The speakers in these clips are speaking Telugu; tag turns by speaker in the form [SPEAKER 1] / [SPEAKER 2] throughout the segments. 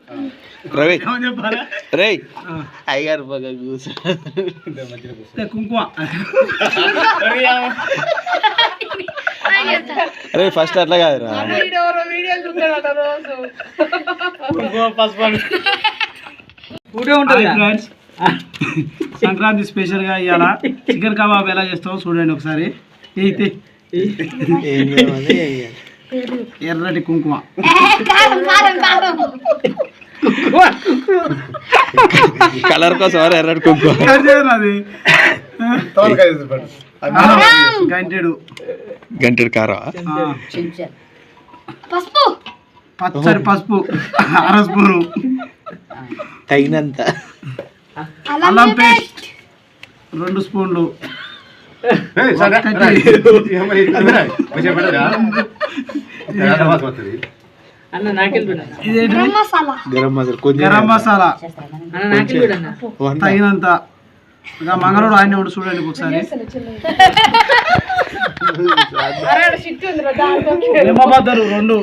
[SPEAKER 1] రవి రే అయ్యారు బాగా
[SPEAKER 2] కుంకుమ
[SPEAKER 1] అరే ఫస్ట్ అట్లా కాదురా
[SPEAKER 2] ఫ్రెండ్స్ సంక్రాంతి స్పెషల్ గా ఇవాళ చికెన్ కబాబ్ ఎలా చేస్తామో చూడండి ఒకసారి. ఎర్రటి కుంకుమ
[SPEAKER 1] కలర్ కోసం ఎర్రటి కుంకుమ
[SPEAKER 2] గంటెడు
[SPEAKER 1] గంటెడు కారం
[SPEAKER 2] పచ్చడి పసుపు 1/2 స్పూను
[SPEAKER 1] తగినంత
[SPEAKER 2] అల్లం పేస్ట్ 2 స్పూన్లు గరం మసాలా తగినంత. ఇక మంగళూరు ఆయన ఉండి చూడండి ఒకసారి. నిమ్మబద్దలు 2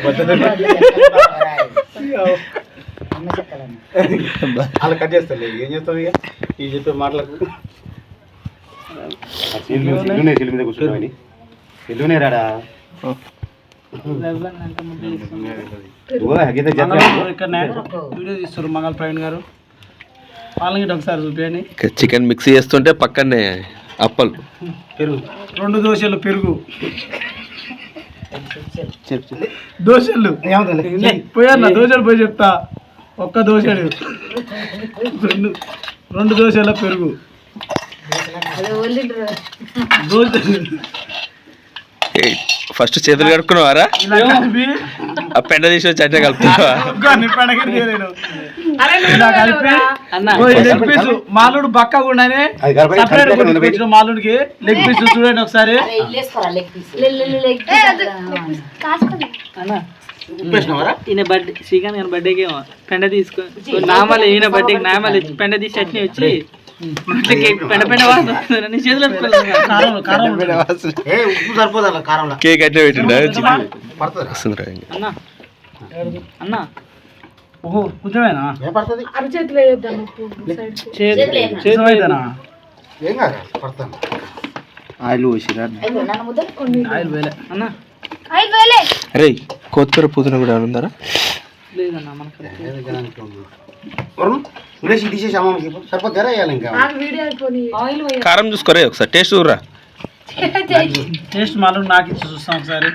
[SPEAKER 3] అలా కట్ చేస్తాలే. ఏం చేస్తావు ఇక ఈ చెప్పే మాటలకు మీద కూర్చున్నామని ఎల్లునే రాడా
[SPEAKER 2] ఇక్కడనే వీడియో తీస్తారు మంగళ ప్రవీణ్ గారు. వాళ్ళకి ఒకసారి చూపించండి.
[SPEAKER 1] చికెన్ మిక్స్ చేస్తుంటే పక్కనే అప్పలు
[SPEAKER 2] పెరుగు 2 దోశలు పెరుగు దోశలు పోయన్నా దోశలు పోయి చెప్తా. 1 దోశలు 2 దోశల పెరుగు
[SPEAKER 1] ఫస్ట్ చేతులు కడుక్కున్నావారా? ఆ పెండ తీసి వచ్చి అంటే కలుపుతున్నావా?
[SPEAKER 2] మాలుడు బక్కకుండానే మాలుడికి లెగ్ పీస్ చూడండి ఒకసారి.
[SPEAKER 4] ఈయన బర్త్డే శ్రీకాంత్ గారి బర్త్డేకి పెండ తీసుకో నామాలు ఈయన బర్త్డేకి నామాలు పెండ తీసి చట్నీ వచ్చి
[SPEAKER 1] కేక్ అట్లే పెట్టిండా?
[SPEAKER 4] అన్నా
[SPEAKER 2] కొంచెమేనా
[SPEAKER 1] ఆయిల్ పోసిరా?
[SPEAKER 2] ఆయిల్ వేలే
[SPEAKER 4] అన్నా
[SPEAKER 1] అరే కొత్తిమీర పుదీనా కూడా ఉందారా?
[SPEAKER 4] లేదన్నా మనకు
[SPEAKER 1] కారం చూసుకోరే ఒకసారి టేస్ట్ చూడరా.
[SPEAKER 2] టేస్ట్ మాలు నాకు ఇచ్చి చూస్తాం ఒకసారి.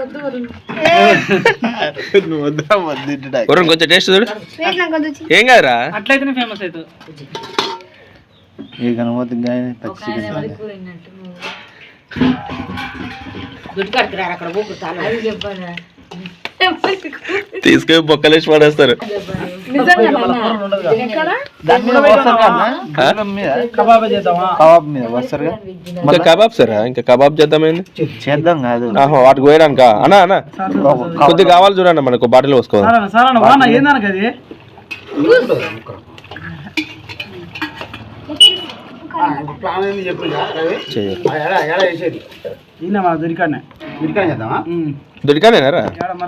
[SPEAKER 1] కొంచెం టేస్ట్ చూడు. ఏం కాదురా
[SPEAKER 4] అట్లయితేనే ఫేమస్ అవుతుంది.
[SPEAKER 1] తీసుకొని బొక్కలేసి పడేస్తారు. ఇంకా కబాబ్ సరా? ఇంకా కబాబ్ చేద్దామైంది
[SPEAKER 3] చేద్దాం కాదు
[SPEAKER 1] వాటికి పోయడానిక అన్నా అన్న కొద్దిగా కావాలి చూడండి మనకు బాటిల్ పోసుకోవాలి. దొరికానేరా?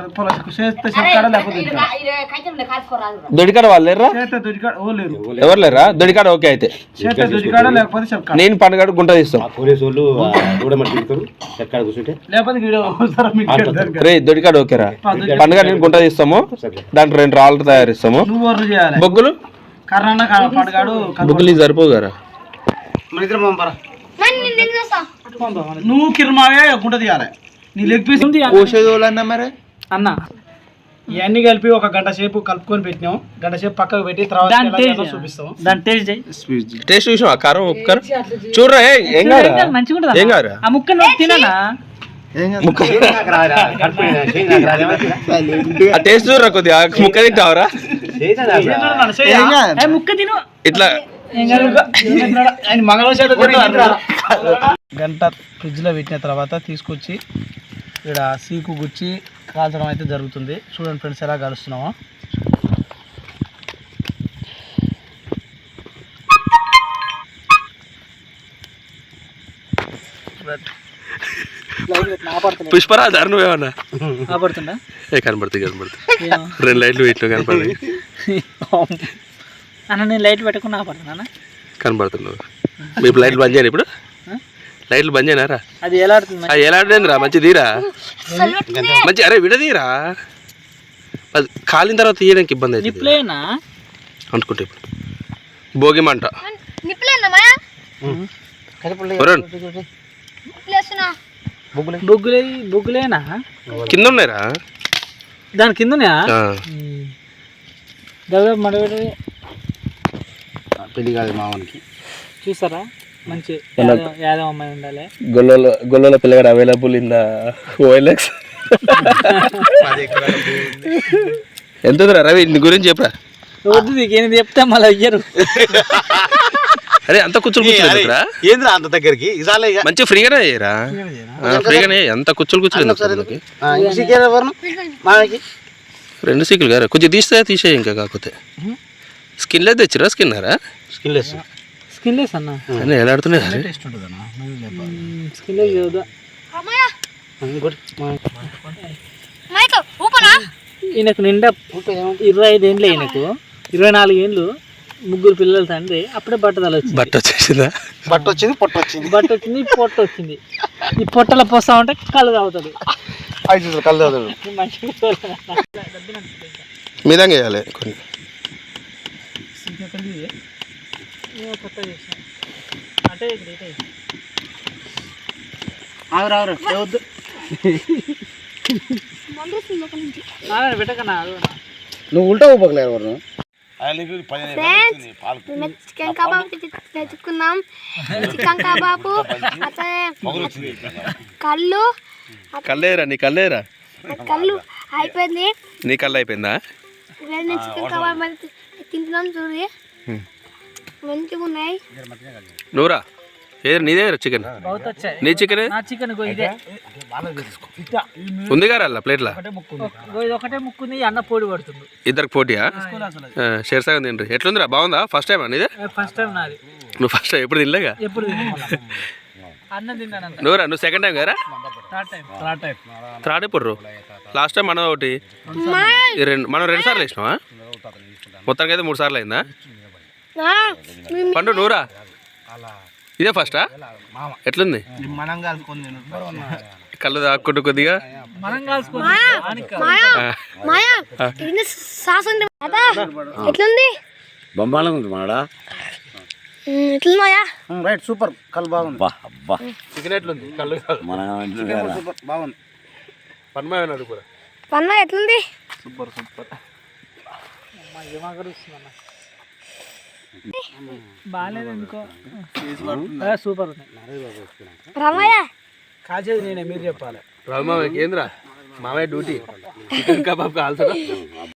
[SPEAKER 1] దొడికాడ వాళ్ళు లేరా? ఎవరు లేరా? దొడికాడ ఓకే అయితే నేను పండుగ గుంట తీస్తాం. రే దొడికాడ ఓకేరా? పండుగ నేను గుంట తీస్తాము. దాంట్లో 2 రాళ్ళు తయారిస్తాము. బొగ్గులు బొగ్గులు సరిపోవు కదా?
[SPEAKER 2] నువ్వు కిర్మావే గుంట తీయాలి. నీ లెగ్ పీస్
[SPEAKER 1] కోసేదోళ్ళన్నా మరి
[SPEAKER 4] అన్న
[SPEAKER 2] ఇవన్నీ కలిపి 1 గంట సేపు కలుపుకొని పెట్టినాం. గంట సేపు పక్కకు పెట్టి తర్వాత చూపిస్తాం.
[SPEAKER 4] దాని
[SPEAKER 1] టేస్ట్ చూసావా? కారం ఉప్పు కారం చూడరా? ఏం కాదు ఏం కాదు.
[SPEAKER 4] ఆ ముక్క తిననా?
[SPEAKER 1] ఆ టేస్ట్ చూడరా కొద్దిగా. ముక్క తింటావరా?
[SPEAKER 4] ముక్క తిను
[SPEAKER 1] ఇట్లా
[SPEAKER 2] గంట ఫ్రిడ్జ్ లో పెట్టిన తర్వాత తీసుకొచ్చి ఇక్కడ సీకు గుచ్చి కాల్చడం అయితే జరుగుతుంది. చూడండి ఫ్రెండ్స్ ఎలా కలుస్తున్నామో.
[SPEAKER 1] పుష్పరాజు నువ్వేమన్నా
[SPEAKER 4] కనబడుతుందా?
[SPEAKER 1] కనబడుతుంది 2 లైట్లు ఇట్లు కనపడి
[SPEAKER 4] అన్న నేను లైట్ పెట్టుకుని ఆపడుతున్నా
[SPEAKER 1] కనబడుతున్నావు ఇప్పుడు లైట్లు బంద్ చేయను ఇప్పుడు లైట్లు బంద్ చేయనారా
[SPEAKER 4] అది ఎలా ఆడుతుంది
[SPEAKER 1] అది ఎలా ఆడేందిరా మంచి తీరా మంచి అరే విడదీరా అది కాలిన తర్వాత తీయడానికి ఇబ్బంది అవుతుంది
[SPEAKER 4] నిప్లేనా
[SPEAKER 1] అనుకుంటే ఇప్పుడు భోగి మంట వరుణ్,
[SPEAKER 4] బొగ్గులేనా
[SPEAKER 1] కింద ఉన్నాయిరా
[SPEAKER 4] దాని కిందనే దగ్గర మడబెట్టి
[SPEAKER 3] పెళ్లి కాదు మావానికి
[SPEAKER 4] చూసారా మంచి యాదవ్ అమ్మాయి ఉండాలి
[SPEAKER 1] గొల్లోల పిల్లగాడు అవైలబుల్ ఇన్ ద ఓఎల్ఎక్స్ ఎంత ఉందిరా రవి నీ గురించి చెప్పరా
[SPEAKER 4] వద్దు నీకేంది చెప్తే మళ్ళీ అయ్యారు
[SPEAKER 1] అరే అంత కూర్చొని కూర్చోలేదురా
[SPEAKER 3] ఏంద్రా అంత దగ్గరికి ఇదాలే ఇక
[SPEAKER 1] మంచిగా ఫ్రీగానే అయ్యారా ఫ్రీగానే అంత కూర్చొని కూర్చోలేదు
[SPEAKER 3] మావానికి
[SPEAKER 1] 2 సీకులు గారా కొంచెం తీసేయి ఇంకా కాకపోతే స్కిన్ లేదు తెచ్చిరా స్కిన్నారా
[SPEAKER 3] స్కిన్లెస్
[SPEAKER 4] స్కిన్లెస్ అన్న
[SPEAKER 1] అన్నీ ఎలా ఆడుతున్నాయి
[SPEAKER 4] స్కిన్లెస్ చదువుదా ఈయనకు నిండా 25 ఏండ్లు ఈయనకు 24 ఏండ్లు 3 పిల్లల తండ్రి అప్పుడే బట్టదల వచ్చింది
[SPEAKER 1] బట్ట వచ్చేసిందా
[SPEAKER 3] బట్ట వచ్చింది పొట్ట వచ్చింది
[SPEAKER 4] బట్ట వచ్చింది పొట్ట వచ్చింది ఈ పొట్టలో పోస్తా ఉంటే కళ్ళు తాగుతాడు
[SPEAKER 3] 5 కళ్ళు చదువు
[SPEAKER 1] మీదంగా వేయాలి కొన్ని
[SPEAKER 4] పెట్టకన్నా
[SPEAKER 3] నువ్వు ఉల్టా ఊపకలేరు వరుణ్
[SPEAKER 5] చికెన్ కబాబ్ తెచ్చుకున్నాం చికెన్ కబాబు కళ్ళు
[SPEAKER 1] కల్లేరా నీ కల్లేరా
[SPEAKER 5] కళ్ళు అయిపోయింది
[SPEAKER 1] నీ కళ్ళు అయిపోయిందా
[SPEAKER 5] చికెన్ కబాబ్ మరి తింటున్నాం చూడు మంచిగా ఉన్నాయి
[SPEAKER 1] నువ్వురా ఏది నీదే చికెన్ నీ చికెన్
[SPEAKER 4] నా చికెన్ ఇదే
[SPEAKER 1] ఉంది గారా అలా ప్లేట్లా
[SPEAKER 4] ఒకటే ముక్కుంది అన్న పోటీ పడుతుంది
[SPEAKER 1] ఇద్దరికి పోటీయా షేర్సాగం తిండ్రి ఎట్లుందిరా బాగుందా ఫస్ట్ టైం నీదే
[SPEAKER 4] ఫస్ట్ టైం నాది
[SPEAKER 1] నువ్వు ఫస్ట్ టైం ఎప్పుడు తినలేగా
[SPEAKER 4] ఎప్పుడు అన్నం తిన్నాను
[SPEAKER 1] నువ్వురా నువ్వు సెకండ్ టైం కదా
[SPEAKER 4] థర్డ్ టైం
[SPEAKER 1] థర్డ్ ఎప్పుడు లాస్ట్ టైం మనం ఒకటి మనం 2 సార్లు వేసినావా మొత్తానికి అయితే 3 సార్లు అయిందా పండు నువ్వురా ఇదే ఫస్టా ఎట్లుంది కళ్ళు దాక్కుంటూ కొద్దిగా
[SPEAKER 5] ఎట్లుంది
[SPEAKER 3] బొమ్మాలం ఉంది మాడా
[SPEAKER 5] ఎట్లుంది మాయా
[SPEAKER 3] రైట్ సూపర్ కళ్ళు బాగుంది
[SPEAKER 1] చికెన్ ఎట్లుంది కళ్ళు
[SPEAKER 3] సూపర్ బాగుంది
[SPEAKER 1] పన్మాయన్నాడు కూడా
[SPEAKER 5] పన్నా ఎట్లుంది
[SPEAKER 1] సూపర్
[SPEAKER 4] బాగాలేదు ఎందుకో సూపర్
[SPEAKER 5] రమయ్య
[SPEAKER 2] కాచేది నేనే మీరు చెప్పాలి
[SPEAKER 1] రావు మామయ్య ఏంద్రా మామయ్య డ్యూటీ చికెన్ కబాబ్ కాల్చడం